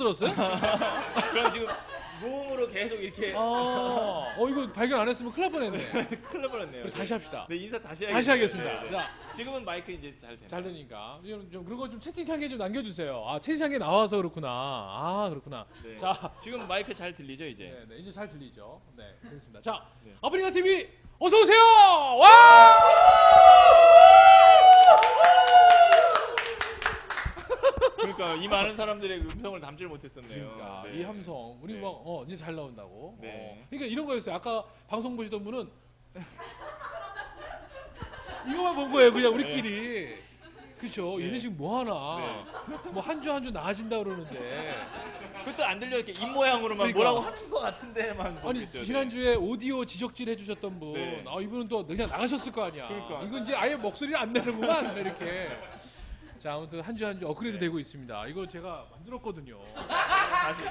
없어졌어요? 그럼 지금 무음으로 계속 이렇게 이거 발견 안 했으면 큰일 날 뻔했네. 큰일 날 뻔했네요. 우리 다시 합시다. 네, 인사 다시 다시 하겠습니다. 네. 자, 지금은 마이크 이제 잘 되나요? 잘 되니까 좀 그런 거 좀 채팅창에 좀 남겨주세요. 아 채팅창에 나와서 그렇구나. 아 그렇구나. 네. 자, 지금 마이크 잘 들리죠 이제? 네, 이제 잘 들리죠. 네, 그렇습니다. 자, 네. 아프리카 TV 어서 오세요. 와! 그러니까 이 많은 사람들의 음성을 담질 못했었네요. 그러니까 네. 이 함성 우리 네. 막 이제 잘 나온다고. 네. 그러니까 이런 거였어요. 아까 방송 보시던 분은 이거만 본 거예요. 그냥 우리끼리. 그렇죠. 네. 얘네 지금 뭐 하나. 뭐 한 주 한 주 나아진다 그러는데. 그것도 안 들려 이렇게 입 모양으로만 그러니까. 뭐라고 하는 것 같은데만 아니 보겠죠. 지난주에 오디오 지적질 해주셨던 분, 네. 이분은 또 그냥 나가셨을 거 아니야. 그러니까. 이건 이제 아예 목소리를 안 내는구만 이렇게. 자 아무튼 한 주 한 주 업그레이드 되고 있습니다. 이거 제가 만들었거든요. 다시.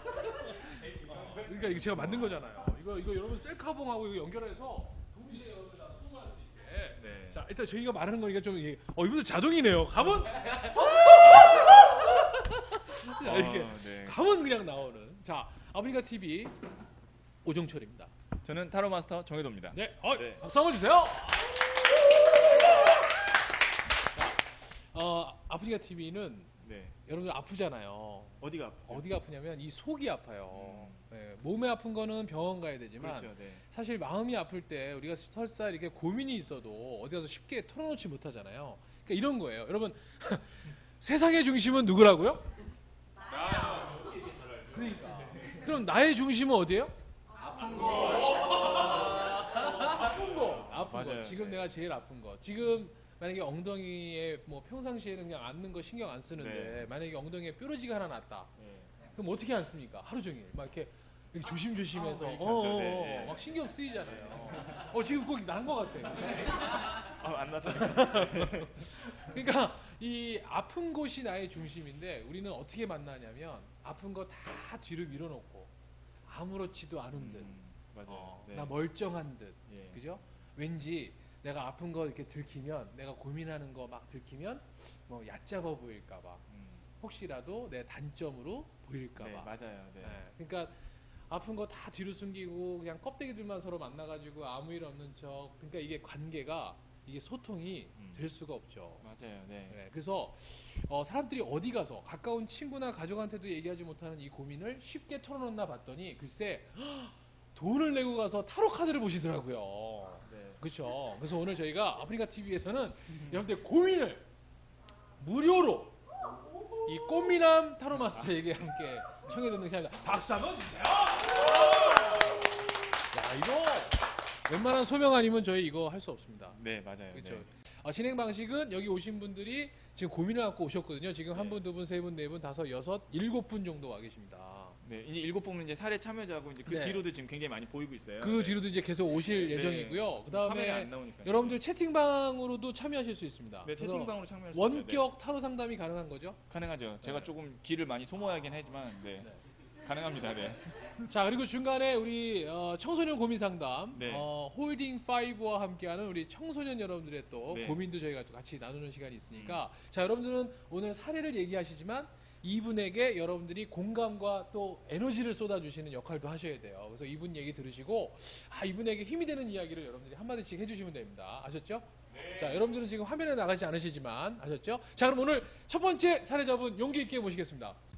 그러니까 이거 제가 만든 거잖아요. 이거 여러분 셀카봉하고 이거 연결해서 동시에 여러분 다 수긍할 수 있게. 네. 자 일단 저희가 말하는 거니까 좀 이분들 자동이네요. 가면 자, 이렇게 네. 가면 그냥 나오는. 자 아프리카 TV 오종철입니다. 저는 타로 마스터 정혜도입니다. 네, 네. 박수 한번 주세요. 아프리카 TV는 네. 여러분들 아프잖아요. 어디가 아프죠? 어디가 아프냐면 이 속이 아파요. 네, 몸에 아픈 거는 병원 가야 되지만 그렇죠. 네. 사실 마음이 아플 때 우리가 설사 이렇게 고민이 있어도 어디 가서 쉽게 털어놓지 못하잖아요. 그러니까 이런 거예요. 여러분 세상의 중심은 누구라고요? 그러니까. 그럼 나의 중심은 어디예요? 아픈 거. 아픈 거. 아픈 거. 맞아요. 지금 네. 내가 제일 아픈 거. 지금 만약에 엉덩이에 뭐 평상시에는 그냥 앉는 거 신경 안 쓰는데 네. 만약에 엉덩이에 뾰루지가 하나 났다. 네. 그럼 어떻게 안 씁니까? 하루 종일 막 이렇게 조심조심해서 이렇게 하죠. 네. 막 신경 쓰이잖아요. 지금 꼭 난 거 같아. 안 났다. 그러니까 이 아픈 곳이 나의 중심인데 우리는 어떻게 만나냐면 아픈 거 다 뒤로 밀어놓고 아무렇지도 않은 듯, 맞아요. 네. 나 멀쩡한 듯, 예. 그죠? 왠지 내가 아픈 거 이렇게 들키면 내가 고민하는 거 막 들키면 뭐 얕잡아 보일까봐 혹시라도 내 단점으로 보일까봐. 네, 맞아요. 네. 그러니까 아픈 거 다 뒤로 숨기고 그냥 껍데기들만 서로 만나가지고 아무 일 없는 척. 그러니까 이게 관계가 이게 소통이 될 수가 없죠. 맞아요. 네. 네, 그래서 사람들이 어디 가서 가까운 친구나 가족한테도 얘기하지 못하는 이 고민을 쉽게 털어놓나 봤더니 글쎄 돈을 내고 가서 타로 카드를 보시더라고요. 네. 그렇죠. 그래서 오늘 저희가 아프리카 TV에서는 여러분들 고민을 무료로 이 꽃미남 타로 마스터에게 함께 청해 듣는 시간입니다. 박수 한번 주세요. 야 이거 웬만한 소명 아니면 저희 이거 할 수 없습니다. 네, 맞아요. 그렇죠. 네. 진행 방식은 여기 오신 분들이 지금 고민을 갖고 오셨거든요. 지금 한 분, 두 분, 세 분, 네 분, 다섯, 여섯, 일곱 분 정도 와 계십니다. 네, 이제 7분은 이제 사례 참여자고 이제 그 네. 뒤로도 지금 굉장히 많이 보이고 있어요. 그 네. 뒤로도 이제 계속 오실 네. 예정이고요. 화면에 그다음에 안 나오니까. 여러분들 채팅방으로도 참여하실 수 있습니다. 네, 그래서 채팅방으로 참여할 수 있죠. 네. 원격 타로 상담이 가능한 거죠? 가능하죠. 제가 네. 조금 길을 많이 소모하긴 하지만 네. 네. 가능합니다. 네. 자 그리고 중간에 우리 청소년 고민 상담 네. 홀딩 5와 함께하는 우리 청소년 여러분들의 또 네. 고민도 저희가 또 같이 나누는 시간이 있으니까 자 여러분들은 오늘 사례를 얘기하시지만 이분에게 여러분들이 공감과 또 에너지를 쏟아주시는 역할도 하셔야 돼요. 그래서 이분 얘기 들으시고 이분에게 힘이 되는 이야기를 여러분들이 한마디씩 해주시면 됩니다. 아셨죠? 네. 자 여러분들은 지금 화면에 나가지 않으시지만 아셨죠? 자 그럼 오늘 첫 번째 사례자분 용기 있게 모시겠습니다.